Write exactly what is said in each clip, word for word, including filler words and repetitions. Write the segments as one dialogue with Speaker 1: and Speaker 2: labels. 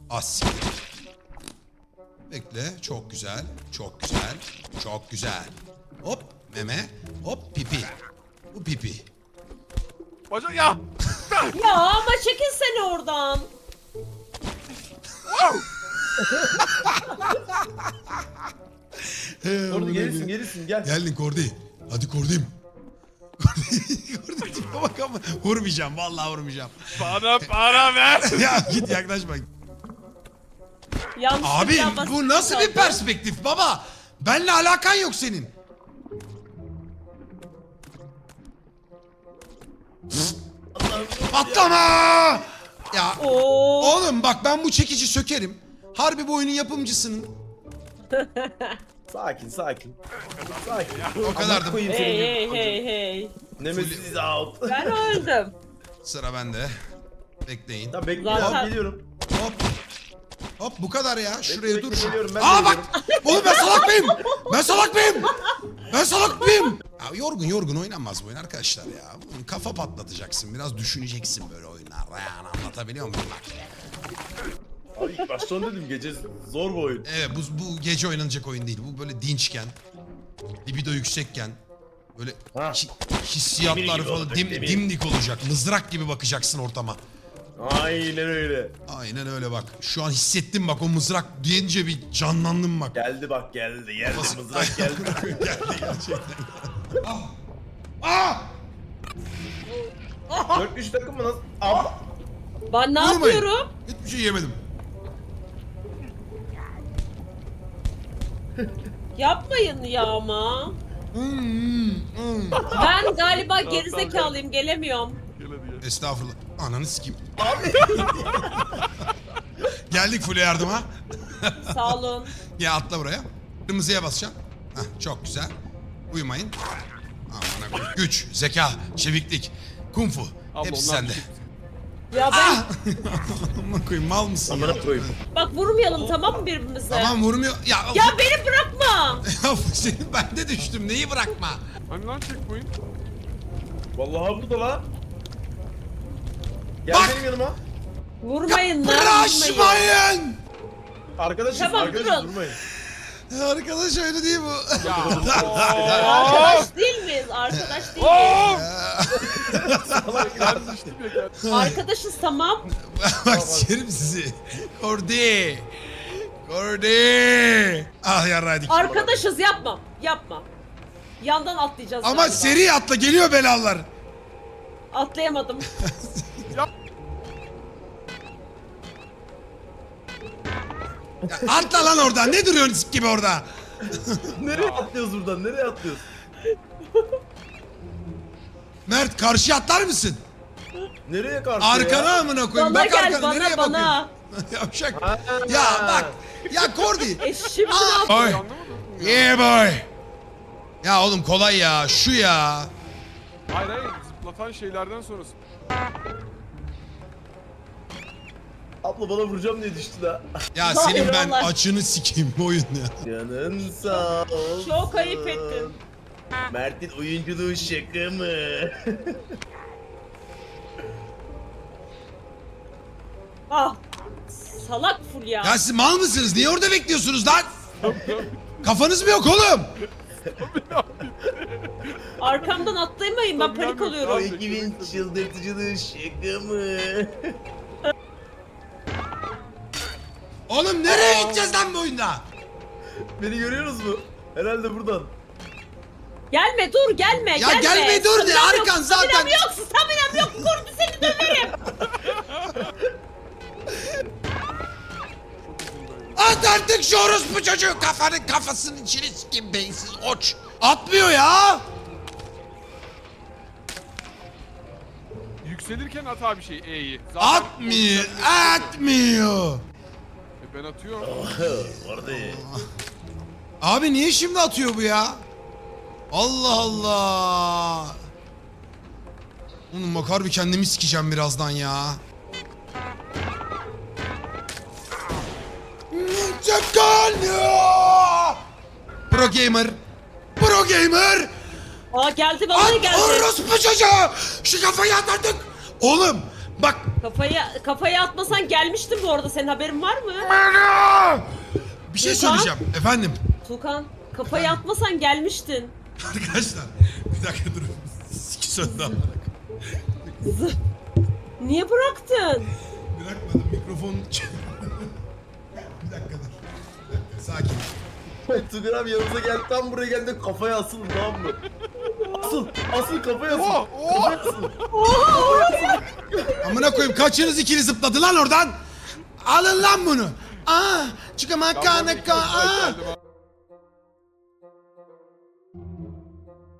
Speaker 1: As. Bekle. Çok güzel. Çok güzel. Çok güzel. Hop meme. Hop pipi. Bu pipi.
Speaker 2: Bacak ya.
Speaker 3: Ya ama çekilsene oradan.
Speaker 4: Orada gelirsin gelirsin gel.
Speaker 1: Geldin Kordi. Hadi Kordi'm. Kordi, Kordi tipe bak ama vurmayacağım. Vallahi vurmayacağım.
Speaker 2: Bana para ver.
Speaker 1: Ya git yaklaşma.
Speaker 3: Yanlış
Speaker 1: Abi bu nasıl bir perspektif baba? Benle alakan yok senin. Patlama! Ya
Speaker 3: Oo.
Speaker 1: oğlum bak ben bu çekici sökerim. Harbi bu oyunun yapımcısının.
Speaker 4: Sakin sakin. Sakin.
Speaker 1: O kadar da-
Speaker 4: Koyayım
Speaker 3: Hey
Speaker 4: seni.
Speaker 3: hey hey hey.
Speaker 4: Nemesis is out.
Speaker 3: Ben öldüm.
Speaker 1: Sıra bende. Bekleyin.
Speaker 4: Tamam bekle
Speaker 3: Zaten-
Speaker 4: abi geliyorum.
Speaker 1: Hop. Hop bu kadar ya. Şuraya
Speaker 4: bekle,
Speaker 1: dur.
Speaker 4: geliyorum, ben de
Speaker 1: Aa bak.
Speaker 4: geliyorum.
Speaker 1: Oğlum ben salak mıyım? Ben salak mıyım? Ben salak mıyım? Ya yorgun yorgun oynanmaz bu oyun arkadaşlar ya. Bunun kafa patlatacaksın. Biraz düşüneceksin böyle oyunlarda. Yani anlatabiliyor muyum bak?
Speaker 4: Abi ilk baştan dedim gece zor bu oyun.
Speaker 1: Evet bu, bu gece oynanacak oyun değil. Bu böyle dinçken, libido yüksekken, böyle
Speaker 4: Ha.
Speaker 1: hi- hissiyatlar
Speaker 4: Demir gibi
Speaker 1: falan
Speaker 4: olacak,
Speaker 1: dim,
Speaker 4: demir.
Speaker 1: dimdik olacak. Mızrak gibi bakacaksın ortama.
Speaker 4: Aynen öyle.
Speaker 1: Aynen öyle bak. Şu an hissettim bak o mızrak deyince bir canlandım bak.
Speaker 4: Geldi bak geldi. Geldi
Speaker 1: Nasıl-
Speaker 4: mızrak geldi.
Speaker 1: Geldi gerçekten. Ah! Ah!
Speaker 4: dört üç takım mı nasıl? Abla.
Speaker 3: Ben ne
Speaker 1: Vurmayın.
Speaker 3: yapıyorum?
Speaker 1: Hiçbir şey yemedim.
Speaker 3: Yapmayın ya ama.
Speaker 1: Hmm, hmm, hmm.
Speaker 3: Ben galiba gerizekalıyım, gelemiyorum.
Speaker 2: Gel hadi gel.
Speaker 1: Estağfurullah. Ananı sikeyim. Geldik full yardıma.
Speaker 3: Sağ olun.
Speaker 1: Ya atla buraya. Kırmızıya basacaksın. Heh, çok güzel. Uyumayın. Aman koyayım. Güç, zeka, çeviklik, kung fu.
Speaker 2: Abla,
Speaker 1: Hepsi
Speaker 2: onlar
Speaker 1: sende.
Speaker 2: düşük.
Speaker 3: Ya ben
Speaker 1: Ah! Aman koyayım mal mısın ya?
Speaker 4: Amına koyayım.
Speaker 3: bak vurmayalım tamam mı birbirimize?
Speaker 1: Tamam vurmuyor. Ya,
Speaker 3: Ya beni bırakma.
Speaker 1: ya senin ben de düştüm. Neyi bırakma?
Speaker 2: Hani lan checkpoint?
Speaker 4: Vallahi burada lan. Gel
Speaker 1: Bak!
Speaker 4: benim yanıma.
Speaker 3: Vurmayın lan. Vurmayın.
Speaker 1: Bıraşmayın.
Speaker 4: Arkadaşız
Speaker 3: Tamam,
Speaker 4: arkadaşız
Speaker 3: durun.
Speaker 4: durmayın.
Speaker 1: Arkadaş öyle değil bu.
Speaker 2: Ya.
Speaker 3: Arkadaş değil miyiz? Arkadaş değil miyiz?
Speaker 2: Ben düştüm ya gel.
Speaker 3: Arkadaşız tamam.
Speaker 1: Bak sikerim sizi. Kordi. Kordi. Ah yarraydık.
Speaker 3: Arkadaşız yapma. Yapma. Yandan atlayacağız
Speaker 1: Ama
Speaker 3: galiba.
Speaker 1: seri atla geliyor belalar.
Speaker 3: Atlayamadım.
Speaker 1: Ya atla lan oradan. Ne duruyorsun sik gibi orada?
Speaker 4: Nereye atlıyoruz buradan? Nereye atlıyoruz?
Speaker 1: Mert karşıya atlar mısın?
Speaker 4: Nereye karşı
Speaker 1: Arkana
Speaker 4: ya?
Speaker 1: amına koyayım.
Speaker 3: Bana
Speaker 1: Bak
Speaker 3: gel,
Speaker 1: arkana
Speaker 3: bana,
Speaker 1: nereye
Speaker 3: bana.
Speaker 1: bakıyorsun? Yavşak.
Speaker 4: Ha.
Speaker 1: Ya bak. Ya Kordi.
Speaker 3: E şimdi ne
Speaker 1: Aa,
Speaker 3: yapayım?
Speaker 1: Oy.
Speaker 2: Anlamadın mı?
Speaker 1: Yeah boy. Ya oğlum kolay ya. Şu ya.
Speaker 2: Hayır hayır zıplatan şeylerden sonrası.
Speaker 4: Abla bana vuracağım diye düştü da.
Speaker 1: Ya
Speaker 3: Hayır,
Speaker 1: senin ben
Speaker 3: vallahi.
Speaker 1: açını sikeyim bu oyun ya.
Speaker 4: Canın sağ olsun.
Speaker 3: Çok ayıp ettin.
Speaker 4: Mert'in oyunculuğu şaka mı?
Speaker 3: Ah. Salak full ya.
Speaker 1: Ya siz mal mısınız? Niye orada bekliyorsunuz lan? Kafanız mı yok oğlum?
Speaker 3: Arkamdan atlayamayın ben panik
Speaker 4: o
Speaker 3: oluyorum.
Speaker 4: ekibin çıldırtıcılığı şaka mı?
Speaker 1: Oğlum nereye gideceğiz lan bu oyunda?
Speaker 4: Beni görüyorsunuz mu? Herhalde buradan.
Speaker 3: Gelme dur gelme
Speaker 1: Ya
Speaker 3: gelme.
Speaker 1: gelme, dur de,
Speaker 3: Staminam
Speaker 1: arkan
Speaker 3: yok,
Speaker 1: zaten-
Speaker 3: Staminam yok staminam yok kurdu seni döverim.
Speaker 1: At artık şu orospu çocuğu kafanın kafasının içine sikeyim beyinsiz oç. Atmıyor ya.
Speaker 2: Yükselirken at abi şey E'yi.
Speaker 1: Atmıyor. Atmıyor.
Speaker 2: E ben atıyorum.
Speaker 4: Orada.
Speaker 1: Abi niye şimdi atıyor bu ya? Allah Allah. Oğlum bak harbi kendimi sikeceğim birazdan ya. Çakal! Pro gamer. Pro gamer.
Speaker 3: Aa geldi vallahi
Speaker 1: At
Speaker 3: geldi.
Speaker 1: orospu çocuğu. Şu kafayı at artık. Oğlum bak
Speaker 3: Kafaya kafaya atmasan gelmiştim bu arada. Senin haberin var mı?
Speaker 1: Bir şey
Speaker 3: Tuğkan?
Speaker 1: söyleyeceğim efendim.
Speaker 3: Tukan kafaya atmasan gelmiştin.
Speaker 1: Arkadaşlar bir dakika durun. Siki söndü amına.
Speaker 3: Niye bıraktın?
Speaker 1: Bırakmadım mikrofon. Bir dakika dur. Bir dakika sakin.
Speaker 4: Tugay abi yanımıza geldi, tam buraya geldi, kafaya asılın, tamam mı? Asıl, asıl kafaya asıl.
Speaker 2: Oh, oh.
Speaker 4: Kafaya asıl.
Speaker 1: Amına koyayım kaçınız ikili zıpladı lan oradan. Alın lan bunu. Aa, çıkamak kana ka. Aa.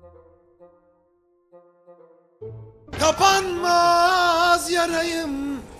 Speaker 1: Kapanmaz yarayım.